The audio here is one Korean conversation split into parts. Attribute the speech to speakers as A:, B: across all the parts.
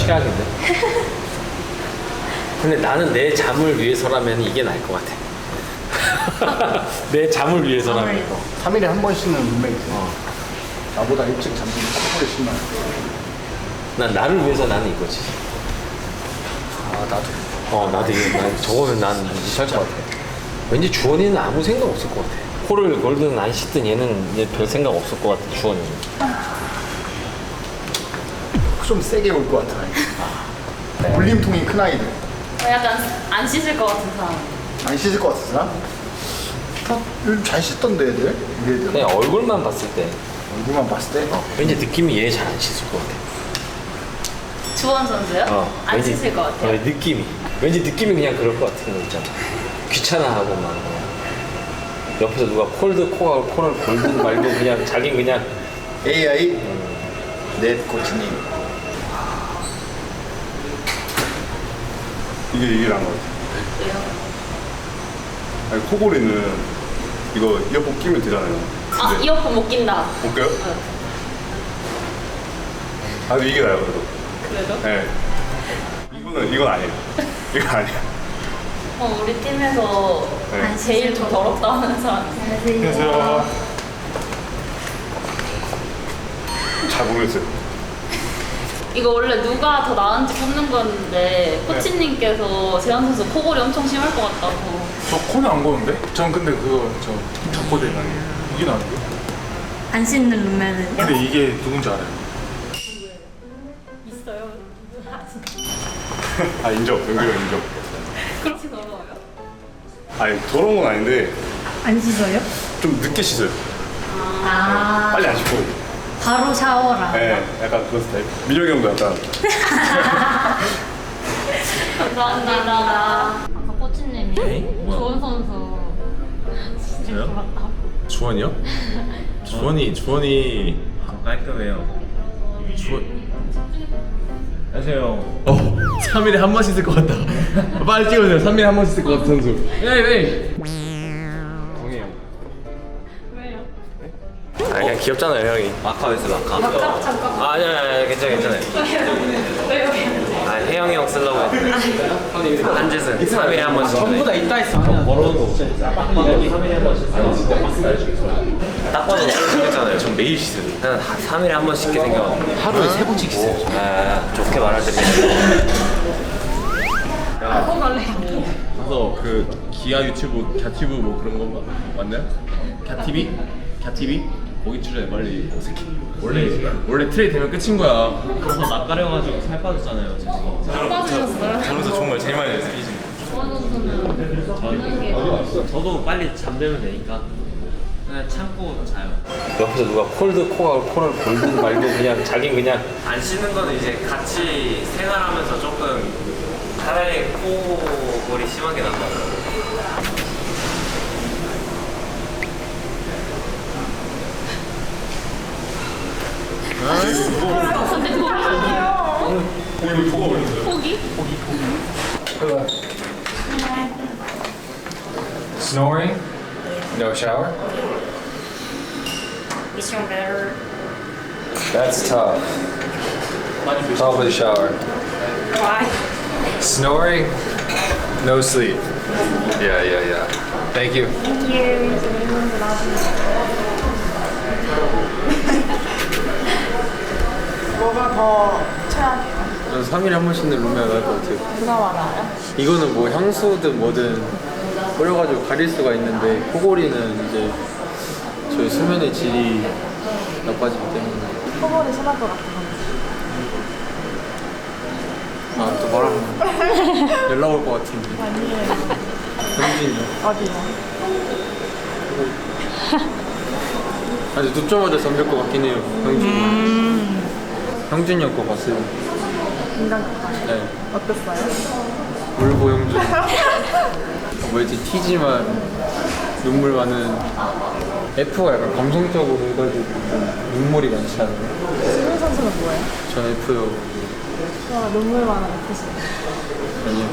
A: 최악인데. 근데 나는 내 잠을 위해서라면 이게 나을 것 같아. 내 잠을 위해서라면.
B: 3일에 한 번 씻는 룸메이트. 나보다 일찍 잠드는 코골이 심한.
A: 난 나를 위해서 나는 이거지.
B: 아 나도.
A: 나도 이거 저거면 난 못할 것 같아. 왠지 주원이는 아무 생각 없을 것 같아. 코를 걸든 안 씻든 얘는 별 생각 없을 것 같아. 주원이는.
B: 좀 세게 올 것 같아. 울림통이 큰 아이들.
C: 약간 안 씻을 것 같은 사람.
B: 안 씻을 것 같은 사람? 요즘 잘 씻던데 애들? 우리 애들.
A: 그냥 얼굴만 봤을 때
B: 얼굴만 봤을 때?
A: 왠지 느낌이 얘 잘 안 씻을 것 같아.
C: 주원 선수요? 안
A: 왠지,
C: 씻을 것 같아요.
A: 느낌이 왠지 느낌이 그냥 그럴 것 같은 거 있잖아. 귀찮아하고 막 옆에서 누가 코를 골든 말고 그냥 자긴 그냥
B: AI 넷 코치님.
D: 이게 나은 것 같아.
C: 왜요?
D: 아니, 코골이는 이거 이어폰 끼면 되잖아요.
C: 아,
D: 근데
C: 이어폰 못 낀다.
D: 못 껴요? 아, 근데 이게 나아요, 그래도.
C: 그래도?
D: 네. 이건 아니에요. 이건 아니에요.
C: 우리 팀에서
D: 네.
C: 제일 좀 더럽다 하는 사람.
D: 안녕하세요. 잘 모르겠어요.
C: 이거 원래 누가 더 나은지 뽑는 건데 코치님께서 재현 선수 코골이 엄청 심할 것 같다고.
E: 저 코는 안 고는데? 전 근데 그거 저 잡고대 아니에요. 이게 나은데?
F: 안 씻는 룸메는
E: 근데 이게 누군지 알아요?
C: 있어요.
D: 아, 인정. 연결 인정.
C: 그렇게 더러워요?
D: 아니, 더러운 건 아닌데
F: 안 씻어요?
D: 좀 늦게 씻어요.
F: 아
D: 빨리 안 씻고.
F: 바로 샤워라.
D: 네, 약간 그런 스타일. 민혁이 형도 약간.
C: 감사합니다. 아까 코치님이 주원 선수
G: 저요? 주원이요? 주원이 깔끔해요. 안녕하세요. 3일에 한 번 씻을 것 같다. 빨리 찍어주세요. 3일에 한 번 씻을 것 같은 선수. 에이. 동해요.
C: 왜요?
A: 그냥 귀엽잖아요 형이.
G: 마카오에서 마카.
A: 아니야 괜찮아요.
C: 왜요?
A: 혜영이 형 쓰려고 했는데 한짓은 3일에 한 번씩. 전부 다 있다 했어.
G: 걸어놓은 거 없죠?
A: 딱 봐도 괜찮아요.
G: 전 매일 씻어요.
A: 그냥 3일에 한 번 씻게 생겨가지고
G: 하루에 3번씩 씻어요.
A: 좋게 말할 때
G: 가서 그 기아 유튜브, 갸튜브 뭐 그런 거 맞나요? 갸TV? 거기 출연해 빨리. 원래 트레이 되면 끝인 거야.
H: 그래서 낯가려가지고 살 빠졌잖아요.
C: 살 빠지셨어요?
G: 저로서 정말 제일 많이 했어요.
C: 주원 선수는
H: 저도 빨리 잠들면 되니까 그냥 참고 자요.
A: 옆에서 누가 코를 골든 말고 그냥 자긴 그냥
H: 안 씻는 거는 이제 같이 생활하면서 조금 차라리 코골이 심하게 난다.
C: 포기?
E: Snoring? No shower?
F: Is your better?
E: That's tough. Tough with a shower.
F: Why?
E: Snoring? No sleep. Yeah. Thank you.
F: Thank you.
I: 뭐가 더 최악이에요?
J: 저는 3일에 한 번 씻는 룸메가 나을 것 같아요.
I: 누가 많아요?
J: 이거는 뭐 향수든 뭐든 뿌려가지고 가릴 수가 있는데 코골이는 이제 저희 수면의 질이 나빠지기 때문에.
I: 코골이 심할 것 같은 건지.
J: 아, 또 말하면 연락 올 것 같은데.
I: 아니에요.
J: 형준이요?
I: 어디요?
J: 아직 눕자마자 잠들 것 같긴 해요, 형준이. 형준이 형 거 봤어요.
I: 인간극장.
J: 네.
I: 어땠어요?
J: 울보 형준. 뭐였지? T지만 눈물 많은. F가 약간 감성적으로 해가지고 좀 눈물이 많지 않아요?
I: 수민 선수는 뭐예요?
J: 전 F요.
I: 눈물 많은 F시네요.
J: 아니요,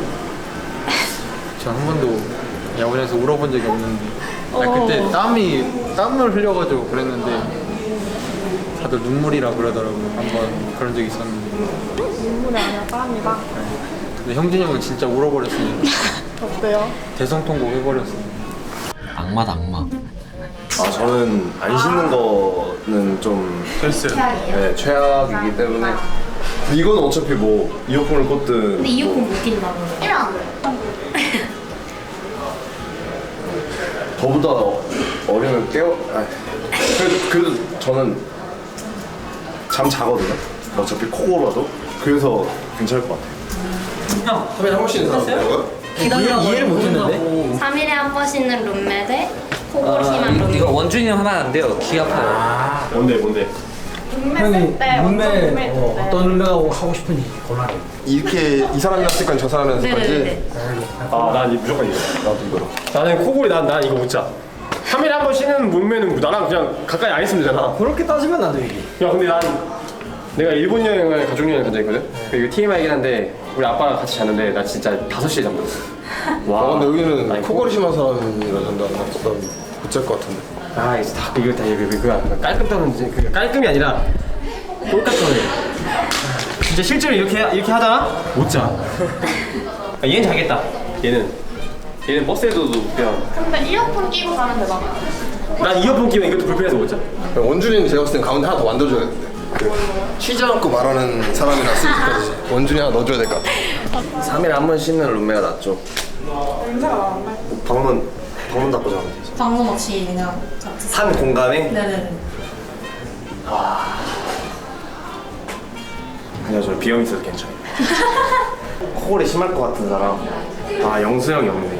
J: 전 한 번도 야구장에서 울어본 적이 없는데. 아니, 그때 땀을 흘려가지고 그랬는데 다들 눈물이라 그러더라고요. 한번 그런 적이 있었는데.
I: 눈물이 아니라 땀이다.
J: 근데 형진이 형은 진짜 울어버렸으니까
I: 어때요?
J: 대성통곡 해버렸어.
A: 악마다 악마.
D: 아 저는 안 씻는 거는 좀 네, 최악이기 때문에 이건 어차피 뭐 이어폰을 꽂든
F: 근데 이어폰 못 낀다고.
D: 저보다 어리면 깨워 그래도 저는 잠 자거든요. 어차피 코 골아도 그래서 괜찮을 것 같아요.
J: 카메라 한 번씩 있는 사람 뭐야? 이해를 못했는데?
F: 3일에 한 번 씻는 룸메대 코골 심한 룸메.
A: 이거 원준이 형 하면 안 돼요. 귀 아파요.
D: 뭔데?
I: 룸메 때 룸메
K: 어떤 룸메하고 하고 싶은지 골라내.
D: 이렇게 이 사람이랑 쓸 건 저 사람이랑 쓸
F: 네네네.
D: 아난 무조건 이거. 나도 이거로.
L: 나는 코골이 난 이거 못 자. 3일에 한 번 쉬는 몸매는 나랑 그냥 가까이 안 있으면 되잖아.
K: 그렇게 따지면 나도 이게.
L: 야 근데 내가 일본 여행을 가족 여행을 간 적이 있거든. 이거 TMI이긴 한데 우리 아빠랑 같이 잤는데 나 진짜 5시에 잠들었어. 와.
D: 근데 여기는
L: 아니,
D: 코골이 심한 사람이라 잔다. 못잘 것 같은데.
L: 아 이거 다 이거 깔끔 떠는 그 깔끔이 아니라 꼴깍 떠네. 진짜 실제로 이렇게 하다가 못 자. 아, 얘는 자겠다. 얘는 버스에도 그냥.
I: 근데 이어폰 끼고 가면 되잖아.
L: 난 이어폰 끼면 이것도 불편해서 못 자.
D: 원준이는 제가 봤을 땐 가운데 하나 더 만들어줘야겠는데. 쉬지 않고 말하는 사람이랑 쓸 때까지 원준이 하나 넣어줘야 될 것 같아.
H: 3일에 한 번 씻는 룸메가 낫죠.
I: 냄새가 나는데?
H: 방문 닫고 자면 되죠.
F: 방송 없이 그냥 같이.
H: 한 공간에?
F: 네네네.
H: 그냥 저 비염 있어서 괜찮아요. 코골이 심할 것 같은 사람. 아 영수 형이 없네.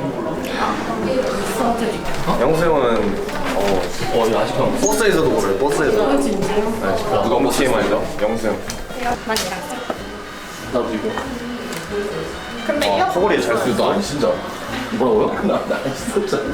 H: 영수 형은
A: 이거 아직도
H: 버스에서도 그래요. 버스에서.
F: 진짜요?
H: 누가 뭐 TMI죠? 영수 형.
F: 난 얘랑
A: 나도 이거.
I: 근데 이어폰
H: 코골이 잘 쓰도 안 진짜.
A: 뭐라고요?
H: 나안 씻었잖아.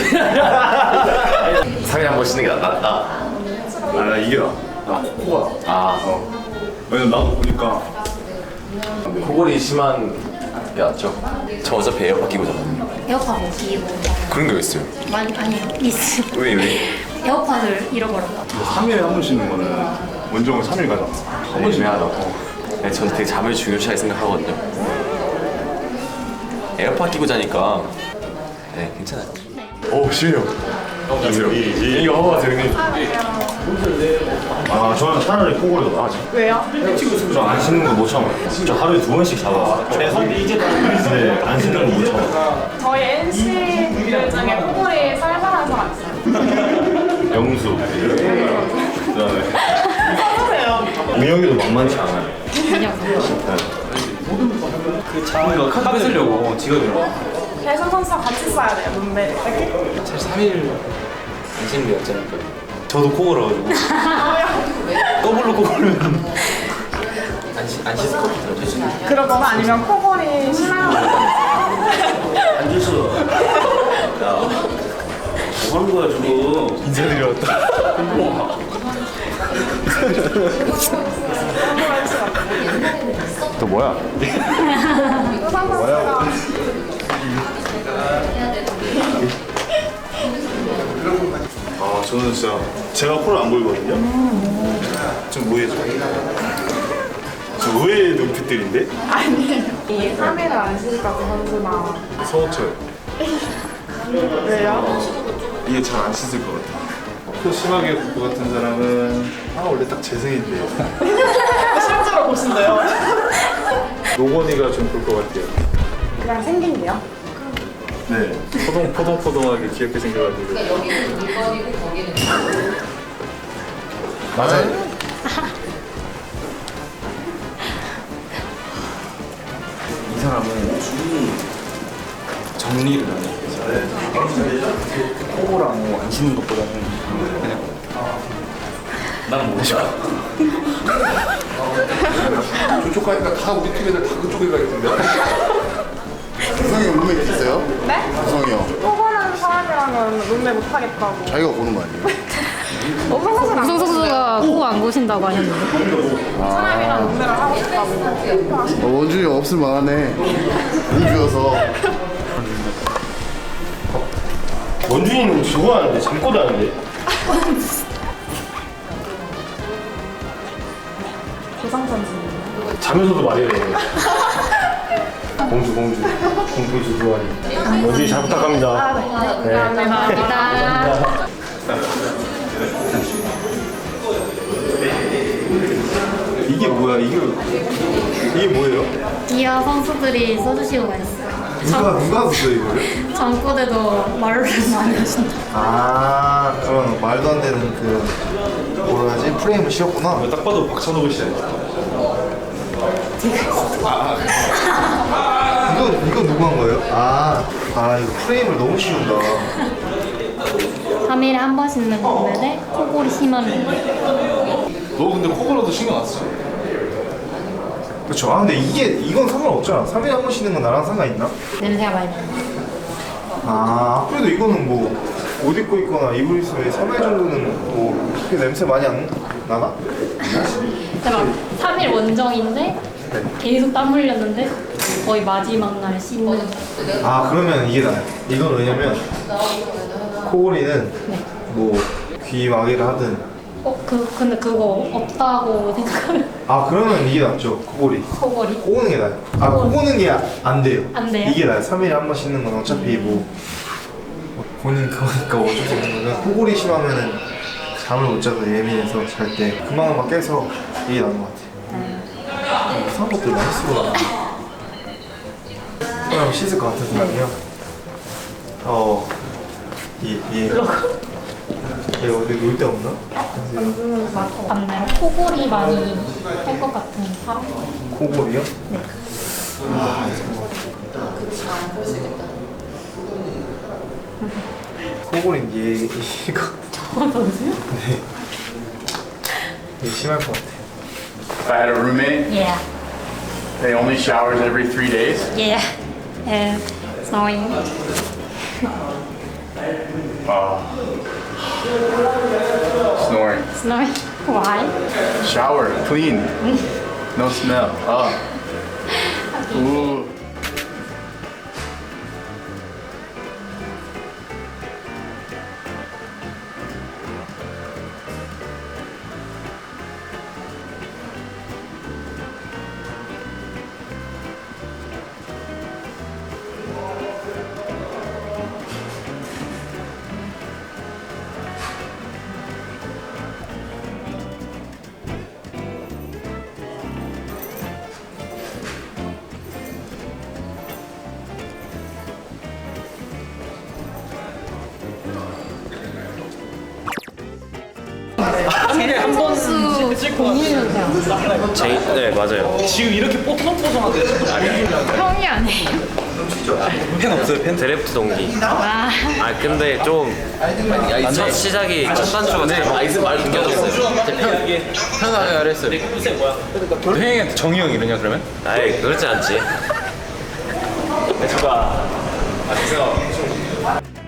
H: 3일에 한 번 씻는 게 낫다. 나 이게 나 코가. 왜냐면 나도 보니까 코골이 심한 게 낫죠. 저 어차피 에어팟 끼고 자거든요.
F: 에어팟 못 끼고.
H: 그런 게 왜 있어요?
F: 아니요. 있어.
H: 왜?
F: 에어팟을 잃어버렸다.
D: 3일에 한 번 쉬는 거는 원정은 3일 가잖아.
H: 한 번씩 해야 네, 저는 되게 잠을 중요시하게 생각하거든요. 에어팟 끼고 자니까 네 괜찮아요.
D: 오 쉬려.
H: 이거 재밌네.
D: 아 저는 차라리 코골이 더 나아지.
I: 왜요?
D: 저 안 씻는 거 못 참아요. 저 하루에 2번씩 잡아. 최소. 네, 안 씻는 거 못 참아.
I: 저희 NC들 중에 코골이 살살한 사람 있어요.
D: 영수. 그다음에 민혁이도 만만치 않아요.
A: 이거 카드 뺏으려고 지갑이랑.
I: 배선 선수랑 같이 써야 돼요, 룸메.
A: 사실 3일 안 쉬는 게 낫잖아요. 저도 코 골아가지고. 더블로 코 골면 안 씻을 것 같아요.
I: 그러거나 아니면 코골이 심한
A: 안 씻어. 야, 뭐 하는 거야 지금?
D: 인사드리러 왔다. 또 뭐야? 아 저는 진짜 제가 코를 안 골거든요. 좀 뭐해줘. 좀 의외의 눈빛들인데?
I: 아니에요. 이 3일을 안 쉬니까 그 선수나.
D: 서호철.
I: 왜요?
D: 이게 잘 안 씻을 것 같아. 코 심하게 굴 것 같은 사람은 원래 딱 재생인데.
I: 실제로 보신대요?
D: 노건이가 좀 굴 것 같아요.
I: 그냥 생긴데요?
D: 네. 포동포동하게 귀엽게 생겨가지고. 맞아요.
J: 이 사람은 정리를 안 해. 코골하고 뭐 안 씻는 것보다는 그냥
A: 나는 못 쉬어.
D: 저쪽 가니까 다 우리 팀 애들 다 그쪽에 가 있던데.
B: 구성이 형 룸메 있어요?
I: 네?
B: 구성이 형.
I: 코골하는 사람이랑은 룸메 못하겠다고.
B: 자기가 고른 거 아니에요?
F: 우성 선수가 코 안 고신다고 하셨는데.
I: 사람이랑 룸메를 하고 싶다고.
B: 원준이 형 없을 만하네. 운 주어서.
L: 원준이는 저거 하는데 잠꼬도 하는데.
I: 조상 선수님.
B: 자면서도 말해야 돼. 공주 두두아리. 원준이 잘 부탁합니다. 네.
F: 감사합니다.
B: 이게 뭐야? 이게 뭐예요?
F: 기아 선수들이 써주시고 가셨어요.
B: 누가 썼어 이거를?
F: 전국에도 말을 많이 하신다.
B: 아 그런 말도 안 되는 그 뭐라 하지? 프레임을 씌웠구나.
A: 딱 봐도 박찬호가 시작.
B: 이거 누구 한 거예요? 아 이거 프레임을 너무 씌운다.
F: 3일에 한 번 씻는 건데 코골이 심한 룸메.
A: 너 근데 코골어도 신경 안 써?
B: 그렇죠. 아 근데 이건 상관없잖아. 3일에 한 번 씻는 건 나랑 상관있나?
F: 냄새가 많이 나요.
B: 아 그래도 이거는 뭐 옷 입고 있거나 이불 있으면 3일 정도는 뭐 그렇게 냄새 많이 안 나나?
F: 근데 막 3일 원정인데 계속 땀 흘렸는데 거의 마지막 날 씻는.
B: 아 그러면 이게 나아요. 이건 왜냐면 코골이는 뭐 귀 마개를 하든
F: 근데 그거 없다고 생각하면
B: 아 그러면 이게 낫죠. 코골이
F: 코골이?
B: 꼬는 게 나아요. 아 꼬는 게 안 돼요.
F: 안 돼요?
B: 이게 나아요. 3일에 한 번 씻는 건 어차피 뭐 본인 그거니까 어쩔 수 없는 거는 코골이 심하면은 잠을 못 자서 예민해서 잘 때 금방금방 깨서 이게 나은 것 같아요. 이상한 것들 많이 쓰고 나가. 그럼 씻을 것 같은 생각이요. 얘 어디 놀 데 없나?
F: 맞나요? 코골이 많이 할 것 같은 사람?
B: 코골이요?
F: 네.
B: 아, 코골인 이거
F: 저 선수요?
B: 네. 이게 심할 것 같아요.
M: If I had a roommate,
F: Yeah.
M: they only showers every 3 days.
F: Yeah. Snowing.
M: Snoring.
F: Snowing. Why?
M: Shower, clean, no smell. Ooh.
F: 선수 공유는
L: 네 맞아요.
A: 지금 이렇게 뽀송뽀송한데
F: 형이 아니에요.
A: 팬 없어요? 팬?
L: 드래프트 동기.
F: 와.
L: 아 근데 좀 첫 시작이 첫 단추가 잘 끊겨졌어요.
J: 편하게 하랬어요.
G: 혜영이한테 정희 형 이러냐 그러면?
L: 아이 그렇지 않지.
A: 대추가